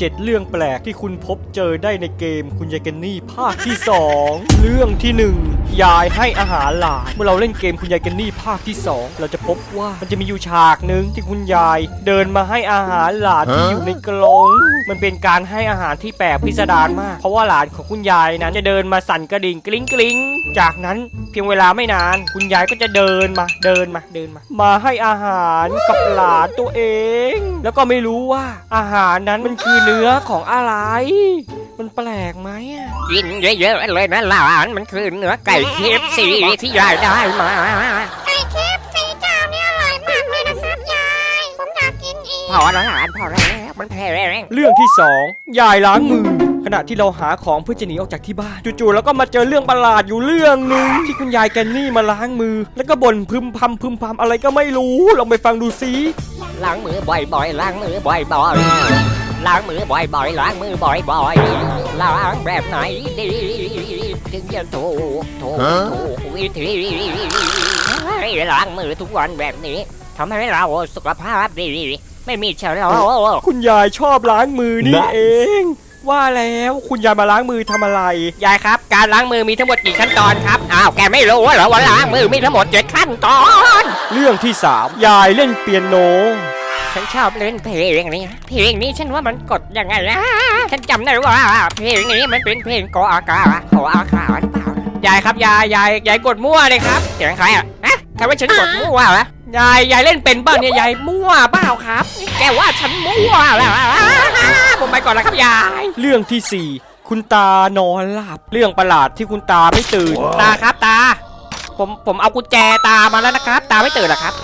7 เรื่องแปลกที่คุณพบเจอได้ในเกมคุณยายแกนนี่ภาคที่ 2 เรื่องที่ 1 ยายให้อาหารหลานเมื่อเราเล่นเกมคุณยายแกนนี่ภาคที่ 2เราจะพบว่ามันจะมีอยู่ฉากหนึ่งที่คุณยายเดินมาให้อาหารหลานที่อยู่ในกรงมันเป็นการให้อาหารที่แปลกพิสดารมากเพราะว่าหลานของคุณยายนั้นจะเดินมาสั่นกระดิ่งกริ๊งกริ๊งจากนั้นเพียงเวลาไม่นานคุณยายก็จะเดินมาให้อาหารกับหลานตัวเองแล้วก็ไม่รู้ว่าอาหารนั้นมันคือเนื้อของอะไรมันแปลกไหมกินเยอะๆเลยนะหลานมันคือเนื้อไก่เคฟซีที่ยายได้มาไก่เคฟซีเจ้านี่อร่อยมากเลยนะครับยายผมอยากกินอีกพอแล้วหลานพอแล้วมันแพ้เรื่องที่ 2 ยายล้างมือขณะที่เราหาของเพื่อจะหนีออกจากที่บ้านจู่ๆแล้วก็มาเจอเรื่องประหลาดอยู่เรื่องหนึ่งที่คุณยายแกนนี่มาล้างมือแล้วก็บ่นพึมพำอะไรก็ไม่รู้ลองไปฟังดูซิล้างมือบ่อยๆล้างมือบ่อยๆล้างมือบ่อยๆล้างมือบ่อยๆล้างแบบไหนดีถึงจะถูกวิธีล้างมือทุกวันแบบนี้ทำให้เราสุขภาพดีไม่มีเชื้อโรคคุณยายชอบล้างมือนี่เองว่าแล้วคุณยายมาล้างมือทำอะไรยายครับการล้างมือมีทั้งหมดกี่ขั้นตอนครับอ้าวแกไม่รู้เหรอว่าล้างมือมีทั้งหมด7ขั้นตอนเรื่องที่ 3 ยายเล่นเปียโนฉันชอบเล่นเพลงนี้ฉันว่ามันกดยังไงนะฉันจำได้ว่าเพลงนี้มันเป็นเพลงกออากาหรือเปล่ายายครับยายกดมั่วเลยครับเสียงใครอ่ะนะใครว่าฉันกดมั่ววะยายเล่นเป็นเปล่าเนี่ยยายมั่วเปล่าครับแกว่าฉันมั่วแล้วผมไปก่อนแล้วครับยายเรื่องที่ 4 คุณตานอนหลับเรื่องประหลาดที่คุณตาไม่ตื่นตาครับตาผมเอากุญแจตามาแล้วนะครับตาไม่ตื่นหรอครับ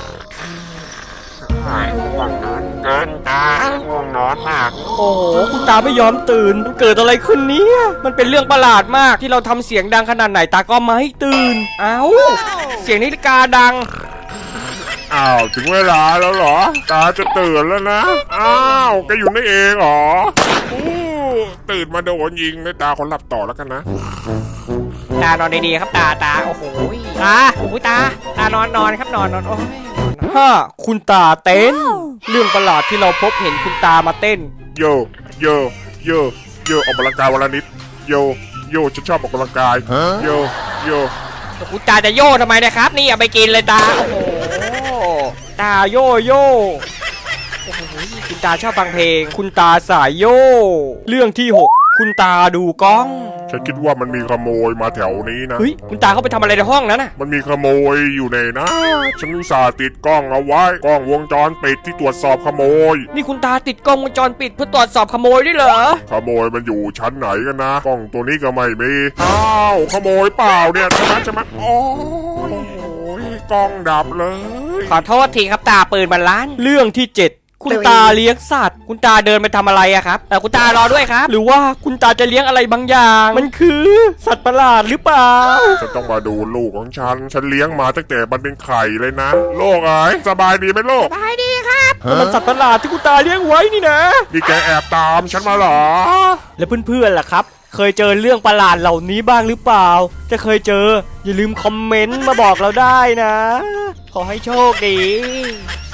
ง่วงนอนเกินตาง่วงนอนมากโอ้โหคุณตาไม่ยอมตื่นมันเกิดอะไรขึ้นเนี่ยมันเป็นเรื่องประหลาดมากที่เราทำเสียงดังขนาดไหนตาก็ไม่ตื่นเอ้าเสียงนาฬิกาดังอ้าวถึงเวลาแล้วเหรอตาจะตื่นแล้วนะอ้าวแกอยู่นี่เองเหรอตื่นมาโดนยิงเลยตาคนหลับต่อแล้วกันนะตานอนดีๆครับตาโอ้โหตานอนครับนอนโอ้ยคุณตาเต้นเรื่องประหลาดที่เราพบเห็นคุณตามาเต้นโยออกกำลังกายวันละนิดโยฉันชอบออกกำลังกายโยคุณตาจะโย่ทำไมนะครับนี่เอาไปกินเลยตาโอ้โหตาโยโอ้โหคุณตาชอบฟังเพลงคุณตาสายโยเรื่องที่ 6 คุณตาดูกล้องฉันคิดว่ามันมีขโมยมาแถวนี้นะเฮ้ยคุณตาเข้าไปทำอะไรในห้องนั้นน่ะมันมีขโมยอยู่ในนะฉันอุตส่าห์ติดกล้องเอาไว้กล้องวงจรปิดที่ตรวจสอบขโมยนี่คุณตาติดกล้องวงจรปิดเพื่อตรวจสอบขโมยด้วยเหรอขโมยมันอยู่ชั้นไหนกันนะกล้องตัวนี้ก็ไม่มีอ้าวขโมยเปล่าเนี่ยใช่ไหมโอ้ยกล้องดับเลยขอโทษทีครับตาปืนมันลั่นเรื่องที่ 7คุณตาเลี้ยงสัตว์คุณตาเดินไปทำอะไรอะครับแต่คุณตารอด้วยครับหรือว่าคุณตาจะเลี้ยงอะไรบางอย่างมันคือสัตว์ประหลาดหรือเปล่าจะต้องมาดูลูกของฉันเลี้ยงมาตั้งแต่มันเป็นไข่เลยนะโลกเอ๋ยสบายดีไหมโลกสบายดีครับมันสัตว์ประหลาดที่คุณตาเลี้ยงไว้นี่นะนี่แกแอบตามฉันมาเหรอแล้วเพื่อนๆล่ะครับเคยเจอเรื่องประหลาดเหล่านี้บ้างหรือเปล่าจะเคยเจออย่าลืมคอมเมนต์มาบอกเราได้นะขอให้โชคดี